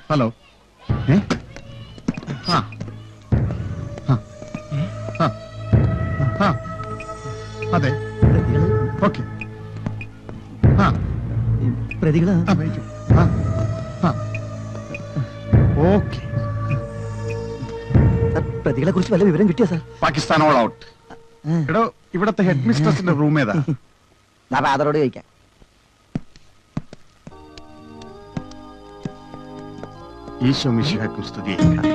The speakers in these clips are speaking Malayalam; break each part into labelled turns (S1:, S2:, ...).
S1: ഹലോ. അതെ, ഓക്കെ.
S2: പ്രതികള്
S1: ഓക്കെ.
S2: പ്രതികളെ കുറിച്ച് വല്ല വിവരം കിട്ടിയോ സാർ?
S1: Pakistan all out. എടോ, ഇവിടത്തെ ഹെഡ് മിസ്ട്രസിന്റെ റൂം ഏതാ?
S2: ഫാദറോട് ചോദിക്കാം.
S1: ഈശോ മിശിഹായ്ക്കും സ്തുതി.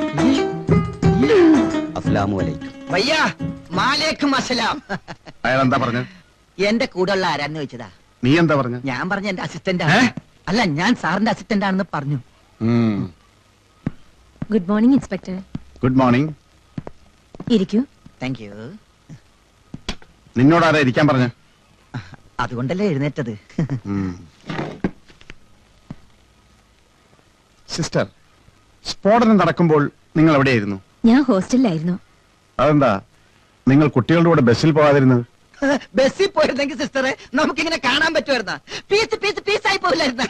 S2: അസ്സലാമു അലൈക്കും.
S3: ഭയ്യാ, മാലേക്കും അസ്സലാം.
S1: അയാൾ എന്താ പറഞ്ഞു?
S3: എന്റെ കൂടെയുള്ള ആരാന്ന് ചോദിച്ചതാ.
S1: നീ എന്താ പറഞ്ഞു?
S3: ഞാൻ പറഞ്ഞ എന്റെ അസിസ്റ്റന്റ് ആണ്. അല്ല, ഞാൻ സാറിന്റെ അസിസ്റ്റന്റ് ആണെന്ന് പറഞ്ഞു.
S4: Good morning inspector.
S1: Good morning.
S4: ഇരിക്കൂ.
S3: Thank you.
S1: നിന്നോടാരാ ഇരിക്കാൻ പറഞ്ഞു?
S3: അതുകൊണ്ടല്ലേ എഴുന്നേറ്റത്.
S1: സിസ്റ്റർ, സ്ഫോടനം നടക്കുമ്പോൾ നിങ്ങൾ എവിടെയായിരുന്നു?
S4: ഞാൻ ഹോസ്റ്റലിലായിരുന്നു.
S1: അതെന്താ നിങ്ങൾ കുട്ടികളുടെ കൂടെ ബസ്സിൽ പോകാതിരുന്നത്?
S3: ബസ്സിൽ പോയിരുന്നെങ്കിൽ സിസ്റ്ററെ നമുക്കിങ്ങനെ കാണാൻ പറ്റുമായിരുന്ന? പീസ് പീസ് പീസായി പോയില്ലായിരുന്ന?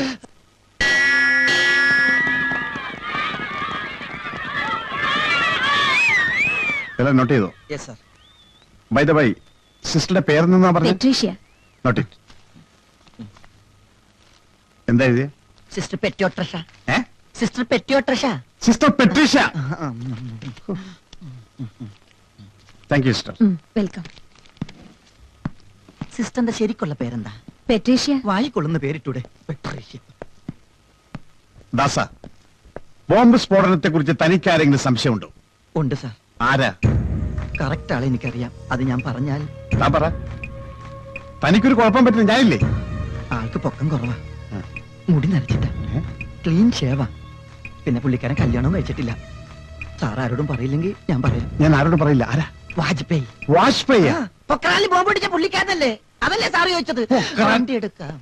S1: നോട്ട് ചെയ്തോ?
S3: Yes sir.
S1: By the by, സിസ്റ്ററുടെ പേരെന്നാ പറഞ്ഞു?
S4: പെട്രീഷ്യ.
S1: Note it. എന്താ എഴുതിയ?
S3: സിസ്റ്റർ പെറ്റിയോട്രഷ. സിസ്റ്റർ പെറ്റിയോട്രഷ.
S1: Sister Patricia. Thank you sister.
S4: Welcome.
S3: സിസ്റ്ററിന്റെ ശരിക്കുള്ള പേരെന്താ?
S4: പെട്രീഷ്യ.
S3: വായിക്കൊള്ളുന്ന പേരിട്ടൂടെ? പെട്രീഷ്യ.
S1: ദാസ, ബോംബ് സ്ഫോടനത്തെ കുറിച്ച് തനിക്ക് ആരെങ്കിലും സംശയമുണ്ടോ?
S3: ഉണ്ട് സാർ.
S1: ആരാ?
S3: കറക്റ്റ് ആളെ എനിക്കറിയാം. അത് ഞാൻ പറഞ്ഞാൽ?
S1: താൻ പറ. തനിക്കൊരു കുഴപ്പം പറ്റില്ല, ഞാനില്ലേ?
S3: ആൾക്ക് പൊക്കം കുറവാ, മുടി നരച്ചിട്ട, ക്ലീൻ ഷേവാ. പിന്നെ പുള്ളിക്കാരൻ കല്യാണവും കഴിച്ചിട്ടില്ല. സാർ ആരോടും പറയില്ലെങ്കിൽ ഞാൻ പറയാം.
S1: ഞാൻ ആരോടും പറയില്ല. ആരാ?
S3: വാജ്പേയി.
S1: വാജ്പേയി?
S3: പൊക്രാനിൽ ബോംബ് പിടിച്ച പുള്ളിക്കാരനല്ലേ? അതല്ലേ സാറ് ചോദിച്ചത്? വണ്ടി എടുക്കാം.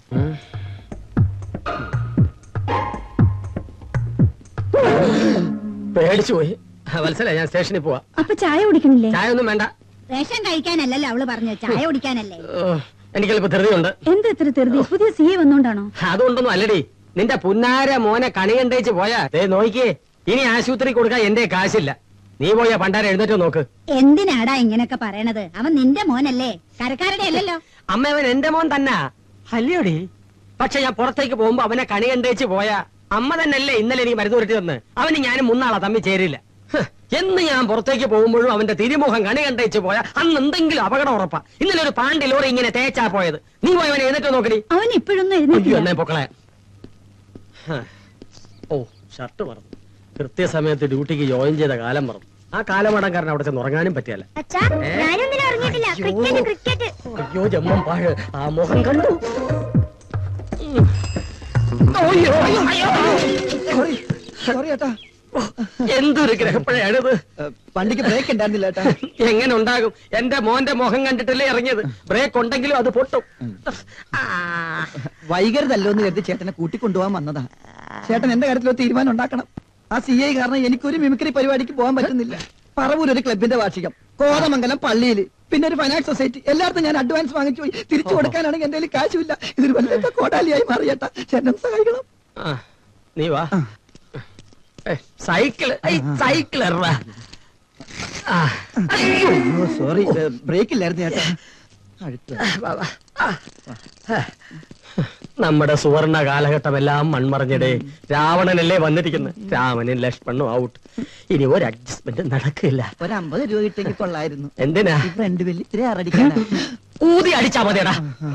S5: പേടിച്ചു പോയി. വത്സല, ഞാൻ സ്റ്റേഷനിൽ പോവാ.
S4: അപ്പൊ ചായ കുടിക്കണില്ലേ?
S5: ചായ ഒന്നും വേണ്ട.
S4: റേഷൻ കഴിക്കാനല്ലല്ലോ അവള് പറഞ്ഞു, ചായ കുടിക്കാനല്ലേ.
S5: എനിക്കല്പ ധൃതിയുണ്ട്.
S4: എന്താ ഇത്ര ധൃതി? പുതിയ സി എ വന്നോണ്ടാണോ?
S5: അതുകൊണ്ടൊന്നും അല്ലടി. നിന്റെ പുന്നാര മോനെ കണി കണ്ടേച്ച് പോയാ നോക്കിയേ, ഇനി ആശുപത്രി കൊടുക്കാൻ എന്റെ കാശില്ല. നീ പോയാ പണ്ടാര എഴുന്നേറ്റോ നോക്ക്.
S4: എന്തിനാടാ ഇങ്ങനൊക്കെ പറയണത്? അവൻ നിന്റെ മോനല്ലേ, കരക്കാരുടെ അല്ലല്ലോ.
S5: അമ്മ, അവൻ എന്റെ മോൻ തന്നെ അല്ലയോടി. പക്ഷെ ഞാൻ പുറത്തേക്ക് പോകുമ്പോ അവനെ കണി കണ്ടേച്ച് പോയാ അമ്മ തന്നെയല്ലേ ഇന്നലെ എനിക്ക് മരുന്ന് ഉരുട്ടി തന്ന്. അവന് ഞാനും മുന്നാളാ തമ്മിൽ ചേരില്ല. എന്ന് ഞാൻ പുറത്തേക്ക് പോകുമ്പോഴും അവന്റെ തിരുമുഖം കണി കണ്ടേച്ച് പോയാ അന്ന് എന്തെങ്കിലും അപകടം ഉറപ്പാ. ഇന്നലെ ഒരു പാണ്ടി ലോറി ഇങ്ങനെ തേച്ചാ പോയത്. നീ പോയി അവനെ എഴുന്നേറ്റോ നോക്കടി.
S4: അവൻ ഇപ്പോഴൊന്നും
S5: എന്നെ പൊക്കളെ. ഓ, ഷർട്ട് മറന്നു. കൃത്യസമയത്ത് ഡ്യൂട്ടിക്ക് ജോയിൻ ചെയ്ത കാലം മറന്നു. ആ കാലമടംകാരൻ അവിടെ ചെന്ന് ഉറങ്ങാനും പറ്റിയല്ല. അയ്യോ ജമ്മം പാഴ്, ആ മുഖം കണ്ടു.
S3: സോറി ഏട്ടാ.
S5: എന്തൊരു ഗ്രഹപ്പഴയാണിത്.
S3: വണ്ടിക്ക് ബ്രേക്ക് ഉണ്ടായിരുന്നില്ല ഏട്ടാ.
S5: എങ്ങനെ ഉണ്ടാകും? എന്റെ മോന്റെ മുഖം കണ്ടിട്ടല്ലേ ഇറങ്ങിയത്. ബ്രേക്ക് ഉണ്ടെങ്കിലും അത് പൊട്ടും.
S3: വൈകരുതല്ലോ എന്ന് കരുതി ചേട്ടനെ കൂട്ടിക്കൊണ്ടുപോകാൻ വന്നതാ. ചേട്ടൻ എന്റെ കാര്യത്തിൽ ഒരു തീരുമാനം ഉണ്ടാക്കണം. ആ CI കാരണം എനിക്കൊരു മിമിക്രി പരിപാടിക്ക് പോകാൻ പറ്റുന്നില്ല. പറവൂർ ഒരു ക്ലബിന്റെ വാർഷികം, കോതമംഗലം പള്ളിയിൽ, പിന്നെ ഒരു ഫൈനാൻസ് സൊസൈറ്റി. എല്ലായിടത്തും ഞാൻ അഡ്വാൻസ് വാങ്ങിച്ചു പോയി. തിരിച്ചു കൊടുക്കാനാണെങ്കിൽ എന്റെ കയ്യിൽ കാശുമില്ല. ഇതൊരു വല്ലാത്ത കോടാലിയായി മാറിയേട്ടാ. ചേട്ടൻ സഹായിക്കണം.
S5: നീ വാ. സൈക്കിള് സൈക്കിൾ
S3: സോറി, ബ്രേക്ക് ഇല്ലായിരുന്നു ചേട്ടാ.
S5: നമ്മുടെ സുവർണ കാലഘട്ടമെല്ലാം മൺമറഞ്ഞടേ. രാവണനല്ലേ വന്നിരിക്കുന്നത്. രാമനും ലക്ഷ്മണനും ഔട്ട്. ഇനി ഒരു അഡ്ജസ്റ്റ്മെന്റ് നടക്കില്ല.
S3: ഒരു 50 രൂപ കിട്ടെങ്കിൽ കൊള്ളായിരുന്നു.
S5: എന്തിനാ?
S3: ഫ്രണ്ട് ബില്ല് ഇത്തിരി ആറടിക്കാനാ.
S5: ഊതി അടിച്ചാ മതിയടാ.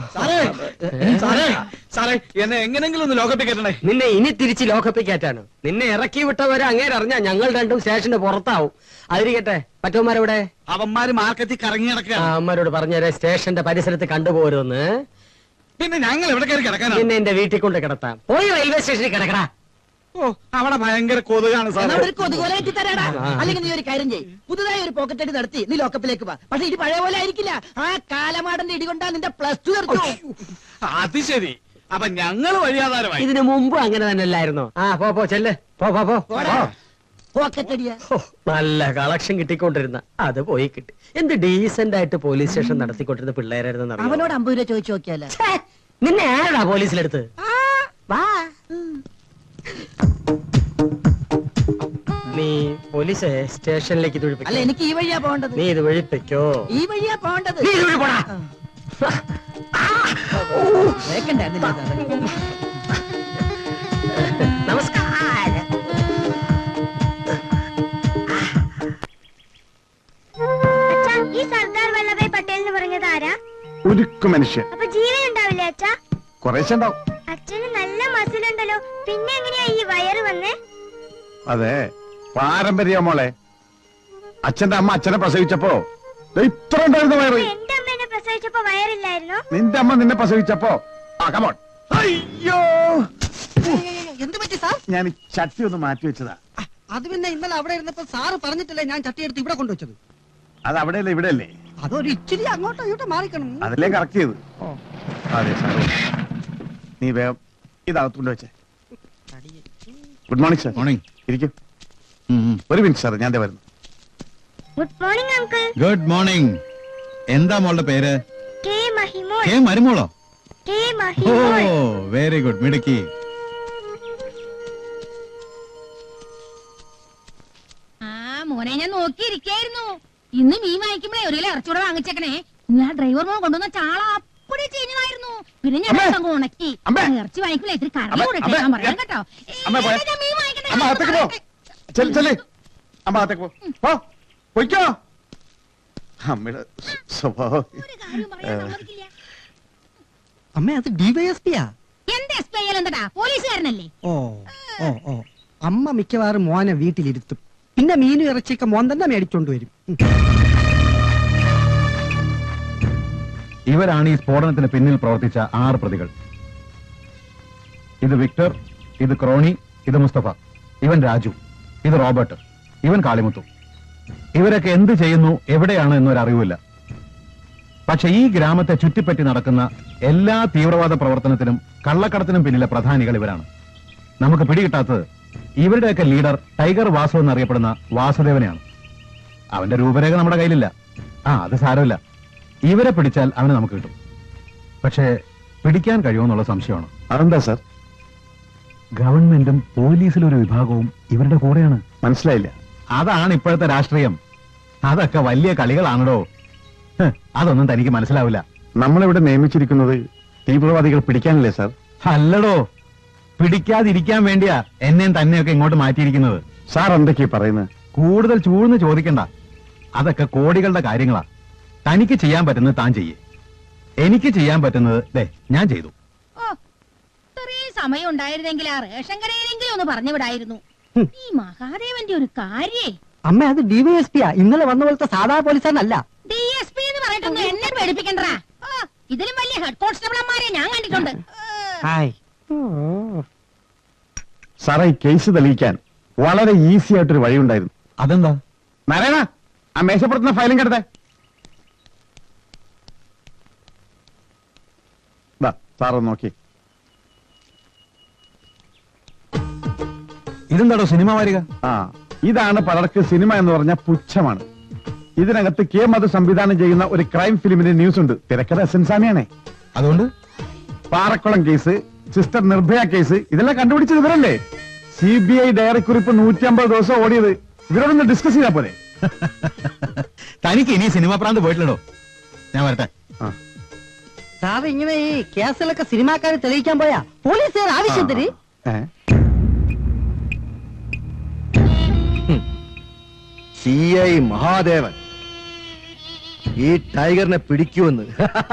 S2: എന്നെ എങ്ങനെങ്കിലും ഒന്ന് ലോക്കപ്പിൽ കയറ്റണേ.
S5: നിന്നെ ഇനി തിരിച്ച് ലോക്കപ്പിൽ കയറ്റാനോ? നിന്നെ ഇറക്കി വിട്ടവരെ അങ്ങേര് അറിഞ്ഞാ ഞങ്ങൾ രണ്ടും സ്റ്റേഷന്റെ പുറത്താവും. അതിരിക്കട്ടെ, മറ്റവന്മാരെവിടെ?
S2: അവന്മാര് മാർക്കറ്റിൽ കറങ്ങി നടക്കുക.
S5: അമ്മരോട് പറഞ്ഞേരെ സ്റ്റേഷന്റെ പരിസരത്ത് കണ്ടുപോരുന്ന്.
S2: പിന്നെ ഞങ്ങൾ എവിടെ കയറി കിടക്കാനാ?
S5: നിന്നെ എന്റെ വീട്ടിൽ കൊണ്ട് കിടത്താം. പോയി റെയിൽവേ സ്റ്റേഷനിൽ കിടക്കടാ.
S2: ഓ, അവിടെ ഭയങ്കര കൊതുകാണ് സാർ.
S3: ഒരു കൊതുകോലായിട്ട് തരാടാ. അല്ലെങ്കിൽ നീ ഒരു കാര്യം ചെയ്യ്, പുതുതായി ഒരു പോക്കറ്റ് അടി നടത്തി നീ ലോക്കപ്പിലേക്ക് വാ. പക്ഷെ ഇടി പഴയ പോലെ ആയിരിക്കില്ല. ആ കാലമാടന്റെ ഇടി കൊണ്ടാ നിന്റെ +2 തീർക്കും.
S2: അത് ശരി. അപ്പൊ ഞങ്ങൾ വഴിയാധാരമായി.
S5: ഇതിനു മുമ്പ് അങ്ങനെ തന്നെ അല്ലായിരുന്നോ? പോ ചെല്ല്.
S3: പോക്കറ്റ് അടിയാ.
S5: നല്ല കളക്ഷൻ കിട്ടിക്കൊണ്ടിരുന്ന അത് പോയി കിട്ടി. എന്ത് ഡീസന്റ് ആയിട്ട് പോലീസ് സ്റ്റേഷൻ നടത്തിക്കൊണ്ടിരുന്ന പിള്ളേരായിരുന്നു.
S3: അവനോട് 50 രൂപ ചോദിച്ചു നോക്കിയാലോ?
S5: നിന്നെ ആരാടാ പോലീസിലെടുത്ത്?
S3: വാ.
S5: നീ പോലീസ് സ്റ്റേഷനിലേക്ക് ഇത്
S3: അല്ല
S5: ഒഴിപ്പിക്കോ.
S3: എനിക്ക് ഈ വഴിയാ പോകേണ്ടത്.
S5: നീ ഇത് ഒഴിപ്പിക്കോ.
S3: ഈ വഴിയാ പോകേണ്ടത്.
S5: നീ ഇത് ഒഴിപ്പോടാ.
S3: വേക്കണ്ടായിരുന്നില്ല സാറേ.
S5: നമസ്കാരം.
S6: അച്ഛാ, ഈ സർദാർ വല്ലഭായ് പട്ടേൽ എന്ന് പറഞ്ഞത് ആരാ?
S1: ഉരുക്കു മനുഷ്യൻ.
S6: അപ്പൊ ജീവൻ ഉണ്ടാവില്ലേ അച്ഛാ?
S1: കുറേശ്ശെ ഉണ്ടാവും.
S6: അച്ഛന് നല്ല മസിലുണ്ടല്ലോ, പിന്നെ എങ്ങനെയാ ഈ വയറ് വന്നേ?
S1: അതെ, പാരമ്പര്യ മോളെ. അച്ഛന്റെ അമ്മ അച്ഛനെ പ്രസവിച്ചപ്പോ ദേ ഇത്ര ഉണ്ടായിരുന്ന വയറ്.
S6: എന്റെ അമ്മ എന്നെ പ്രസവിച്ചപ്പോ വയറില്ലായിരുന്നോ?
S1: നിന്റെ അമ്മ നിന്നെ പ്രസവിച്ചപ്പോ കമോൺ. അയ്യോ,
S3: എന്ത് പറ്റി സാർ?
S1: ഞാൻ ഈ ചട്ടി ഒന്ന് മാറ്റി വെച്ചതാ.
S3: അത് പിന്നെ ഇന്നലെ അവിടെ ഇരുന്നപ്പോ സാറ് പറഞ്ഞിട്ടല്ലേ ഞാൻ ചട്ടിയെടുത്ത് ഇവിടെ കൊണ്ടുവച്ചത്.
S1: അത് അവിടെയല്ലേ ഇവിടെയല്ലേ?
S3: അതൊരു ഇച്ചിരി അങ്ങോട്ടോ ഇങ്ങോട്ടോ മാറിക്കണം.
S1: അതിലേ കറക്റ്റ് ചെയ്ത്. അതെ സാർ, നീ വേഗം ഇതകത്ത് കൊണ്ടുവച്ചേ. Good morning sir. മോർണിംഗ്. ഇരിക്കും. ഒരു മിനിറ്റ് സാർ, ഞാൻ വരുന്നു.
S6: Good morning uncle.
S7: Good morning. എന്താ മോളുടെ പേര്?
S6: കെ മഹിമോൾ.
S7: കെ മരുമോളോ?
S6: K
S7: O
S6: Mahimol.
S7: Very good, മിടുക്കി.
S4: മോനെ ഞാൻ നോക്കിയിരിക്കായിരുന്നു. ഇന്ന് മീൻ വാങ്ങിക്കുമ്പോഴേ ഒരു കിലോ ഇറച്ചൂടെ വാങ്ങിച്ചേക്കണേ. ഞാൻ ഡ്രൈവർ മോൻ കൊണ്ടുവന്ന ചാള അപ്പടി ചെയ്യുമായിരുന്നു. പിന്നെ ഞാൻ അങ്ങ് ഉണക്കി. ഇറച്ചി വാങ്ങിക്കുമ്പോൾ ഇത്തിരി കറി കൂടെ ഇട്ടേക്കാൻ പറയാം കേട്ടോ. ഞാൻ മീൻ വാങ്ങിക്കട്ടെ.
S1: അമ്മ അകത്തേക്ക് പോ. ചെല്ലേ അമ്മ അകത്തേക്ക് പോ. പൊയ്ക്കോ. അമ്മയുടെ സ്വഭാവം.
S4: ഒരു കാര്യം പറയാൻ സമ്മതിക്കില്ല.
S3: അമ്മ അത് ഡിവൈഎസ്പിയാ.
S4: എന്ത് എസ് പി ഐ എന്താ പോലീസുകാരനല്ലേ?
S3: ഓ ഓ ഓ. അമ്മ മിക്കവാറും മോനെ വീട്ടിലിരുത്തും. പിന്നെ മീനും ഇറച്ചിയൊക്കെ മോൻ തന്നെ മേടിച്ചോണ്ട് വരും.
S7: ഇവരാണ് ഈ സ്ഫോടനത്തിന് പിന്നിൽ പ്രവർത്തിച്ച 6 പ്രതികൾ. ഇത് വിക്ടർ, ഇത് ക്രോണി, ഇത് മുസ്തഫ, ഇവൻ രാജു, ഇത് റോബർട്ട്, ഇവൻ കാളിമുത്തു. ഇവരൊക്കെ എന്ത് ചെയ്യുന്നു, എവിടെയാണ് എന്നൊരറിവില്ല. പക്ഷെ ഈ ഗ്രാമത്തെ ചുറ്റിപ്പറ്റി നടക്കുന്ന എല്ലാ തീവ്രവാദ പ്രവർത്തനത്തിനും കള്ളക്കടത്തിനും പിന്നിലെ പ്രധാനികൾ ഇവരാണ്. നമുക്ക് പിടികിട്ടാത്തത് ഇവരുടെയൊക്കെ ലീഡർ ടൈഗർ വാസു എന്നറിയപ്പെടുന്ന വാസുദേവനെയാണ്. അവന്റെ രൂപരേഖ നമ്മുടെ കയ്യിലില്ല. അത് സാരമില്ല. ഇവരെ പിടിച്ചാൽ അവനെ നമുക്ക് കിട്ടും. പക്ഷേ പിടിക്കാൻ കഴിയുമെന്നുള്ള സംശയമാണ്.
S1: അതെന്താ സാർ?
S7: ഗവൺമെന്റും പോലീസിലൊരു വിഭാഗവും ഇവരുടെ കൂടെയാണ്.
S1: മനസ്സിലായില്ല.
S7: അതാണ് ഇപ്പോഴത്തെ രാഷ്ട്രീയം. അതൊക്കെ വലിയ കളികളാണല്ലോ. അതൊന്നും തനിക്ക് മനസ്സിലാവില്ല.
S1: നമ്മളിവിടെ നിയമിച്ചിരിക്കുന്നത് തീവ്രവാദികൾ പിടിക്കാനല്ലേ സാർ?
S7: അല്ലടോ, പിടിക്കാതിരിക്കാൻ വേണ്ടിയാ എന്നെയും തന്നെയൊക്കെ ഇങ്ങോട്ട് മാറ്റിയിരിക്കുന്നത്.
S1: സാർ എന്തൊക്കെയാ പറയുന്നത്?
S7: കൂടുതൽ ചൂഴ്ന്ന് ചോദിക്കണ്ട. അതൊക്കെ കോടികളുടെ കാര്യങ്ങളാ. തനിക്ക് ചെയ്യാൻ പറ്റുന്നത് താൻ ചെയ്യേ. എനിക്ക് ചെയ്യാൻ പറ്റുന്നത് ഞാൻ ചെയ്തു.
S4: ഓ, ഇത്രയും സമയം ഉണ്ടായിരുന്നെങ്കിൽ ആ റേഷൻ കടയിലെങ്കിലും ഒന്ന് പറഞ്ഞു വിടായിരുന്നു. ഈ മഹാദേവന്റെ ഒരു കാര്യേ.
S3: അമ്മ അത് ഡിവൈഎസ്പിയാ. ഇന്നലെ വന്ന പോലത്തെ സാധാ പോലീസുകാരനല്ല.
S4: DSP എന്ന് പറഞ്ഞിട്ടൊന്നും എന്നെ പേടിപ്പിക്കണ്ടാ. ഇതിലും വലിയ ഹെഡ് കോൺസ്റ്റബിളന്മാരെ ഞാൻ കണ്ടിട്ടുണ്ട്.
S1: സാറേ, ഈ കേസ് തെളിയിക്കാൻ വളരെ ഈസി ആയിട്ടൊരു വഴി ഉണ്ടായിരുന്നു.
S7: അതെന്താ?
S1: നാരായണ, ആ മേശപ്പുറത്തുനിന്ന് ഫയലും കിടത്തെ. സാറ് നോക്കി.
S7: ഇതെന്താടോ സിനിമ വാരിക?
S1: ഇതാണ് പലർക്ക് സിനിമ എന്ന് പറഞ്ഞ പുച്ഛമാണ്. ഇതിനകത്ത് കെ മധു സംവിധാനം ചെയ്യുന്ന ഒരു ക്രൈം ഫിലിമിന്റെ ന്യൂസ് ഉണ്ട്. തിരക്കഥ എസ്എൻസാമിയാണേ.
S7: അതുകൊണ്ട്
S1: Parakkulam case, sister Nirbhaya case, ഇതെല്ലാം കണ്ടുപിടിച്ചത് ഇവരല്ലേ? CBI ഡയറി കുറിപ്പ് 150 ദിവസം ഓടിയത്. ഇവരോടൊന്ന് ഡിസ്കസ് ചെയ്താ പോലെ.
S7: തനിക്ക് ഇനി സിനിമ പ്രാന്ത് പോയിട്ടില്ലടോ. ഞാൻ വരട്ടെ.
S3: സാർ, ഇങ്ങനെ ഈ കേസുകളൊക്കെ സിനിമാക്കാരെ തെളിയിക്കാൻ പോയാ പോലീസുകാർ ആവശ്യത്തിന്
S8: CI മഹാദേവൻ ഈ ടൈഗറിനെ പിടിക്കുമെന്ന്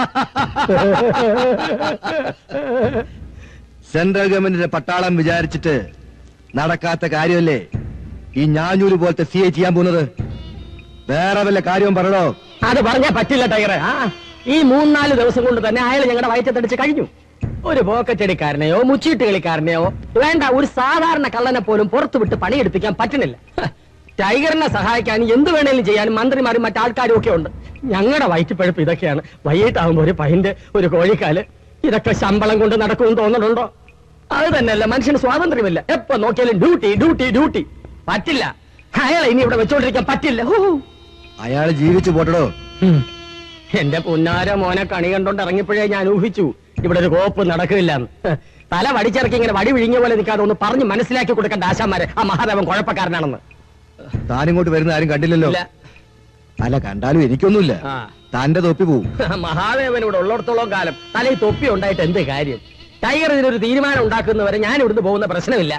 S8: സെൻട്രൽ ഗവൺമെന്റിന്റെ പട്ടാളം വിചാരിച്ചിട്ട് നടക്കാത്ത കാര്യമല്ലേ ഈ ഞാഞ്ഞൂര് പോലത്തെ CI ചെയ്യാൻ പോകുന്നത്? വേറെ വല്ല കാര്യവും പറയണോ?
S5: അത് പറഞ്ഞാ പറ്റില്ല ടൈഗറെ. ഈ 3-4 ദിവസം കൊണ്ട് തന്നെ അയാൾ ഞങ്ങളുടെ വയറ്റത്തടിച്ച് കഴിഞ്ഞു. ഒരു പോക്കറ്റടിക്കാരനെയോ മുച്ചീട്ട് കളിക്കാരനെയോ വേണ്ട, ഒരു സാധാരണ കള്ളനെ പോലും പുറത്തു വിട്ട് പണിയെടുപ്പിക്കാൻ പറ്റുന്നില്ല. ടൈഗറിനെ സഹായിക്കാൻ എന്ത് വേണേലും ചെയ്യാനും മന്ത്രിമാരും മറ്റാൾക്കാരും ഒക്കെ ഉണ്ട്. ഞങ്ങളുടെ വയറ്റിപ്പഴുപ്പ് ഇതൊക്കെയാണ്. വൈകിട്ടാവുമ്പോ ഒരു പൈന്റ്, ഒരു കോഴിക്കാല്, ഇതൊക്കെ ശമ്പളം കൊണ്ട് നടക്കുമെന്ന് തോന്നുന്നുണ്ടോ? അത് തന്നെയല്ല, മനുഷ്യന് സ്വാതന്ത്ര്യമില്ല. എപ്പോ നോക്കിയാലും ഡ്യൂട്ടി ഡ്യൂട്ടി ഡ്യൂട്ടി. പറ്റില്ല. അയാളെ ഇനി ഇവിടെ വെച്ചോണ്ടിരിക്കാൻ പറ്റില്ല.
S8: അയാൾ ജീവിച്ചു പോട്ടടോ.
S5: എന്റെ പുന്നാര മോനെ കണി കണ്ടോണ്ട് ഇറങ്ങിയപ്പോഴേ ഞാൻ ഊഹിച്ചു ഇവിടെ ഒരു കോപ്പ് നടക്കില്ല. തല വടിച്ചിറക്കി ഇങ്ങനെ വടി വിഴിഞ്ഞ പോലെ നിൽക്കാതെ ഒന്ന് പറഞ്ഞ് മനസ്സിലാക്കി കൊടുക്കേണ്ട ആശാന്മാരെ ആ മഹാദേവൻ കുഴപ്പക്കാരനാണെന്ന്.
S8: താനിങ്ങോട്ട് വരുന്ന ആരും കണ്ടില്ലല്ലോ
S5: ഇല്ല.
S8: അല്ല കണ്ടാലും എനിക്കൊന്നുമില്ല
S5: ആ.
S8: തന്റെ തൊപ്പി പോവും
S5: മഹാദേവൻ ഇവിടെ ഉള്ളിടത്തോളം കാലം തലയിൽ തൊപ്പി ഉണ്ടായിട്ട് എന്ത് കാര്യം? ടൈഗർ ഇതിനൊരു തീരുമാനം ഉണ്ടാക്കുന്നവരെ ഞാൻ ഇവിടുന്ന് പോകുന്ന പ്രശ്നമില്ല.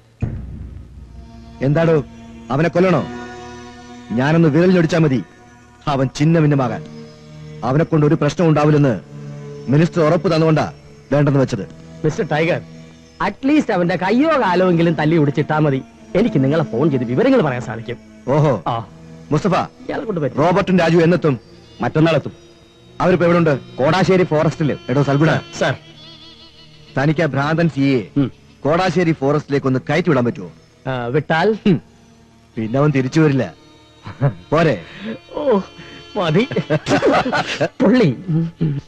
S8: എന്താടോ അവനെ കൊല്ലണോ? ഞാനൊന്ന് വിരൽ ഞൊടിച്ചാ മതി അവൻ ചിന്ന ഭിന്നമാകാൻ. അവനെ കൊണ്ട് ഒരു പ്രശ്നം ഉണ്ടാവില്ലെന്ന് മിനിസ്റ്റർ ഉറപ്പ് തന്നുകൊണ്ടാ വേണ്ടെന്ന് വെച്ചത്.
S5: മിസ്റ്റർ ടൈഗർ, അറ്റ്ലീസ്റ്റ് അവന്റെ കയ്യോ കാലോയെങ്കിലും തല്ലി ഒടിച്ചിട്ടാ മതി. എനിക്ക് നിങ്ങളെ ഫോൺ ചെയ്ത് വിവരങ്ങൾ പറയാൻ സാധിക്കും.
S8: ഓഹോ
S5: ആ,
S8: മുസ്തഫ,
S5: ഇയാളെ കൊണ്ട് പറ്റും.
S8: റോബർട്ടും രാജു എന്നെത്തും? മറ്റന്നാളെത്തും. അവരിപ്പോ എവിടെ ഉണ്ട്? കോടാശ്ശേരി ഫോറസ്റ്റില്. എടോ സൽഗുണ,
S5: സർ,
S8: തനിക്ക് ആ ഭ്രാന്തൻ സിയെ കോടാശ്ശേരി ഫോറസ്റ്റിലേക്ക് ഒന്ന് കയറ്റി വിടാൻ പറ്റുമോ?
S5: വിട്ടാൽ
S8: പിന്നെ അവൻ തിരിച്ചു വരില്ല. പോരെ?
S5: ഓ മതി പുള്ളി.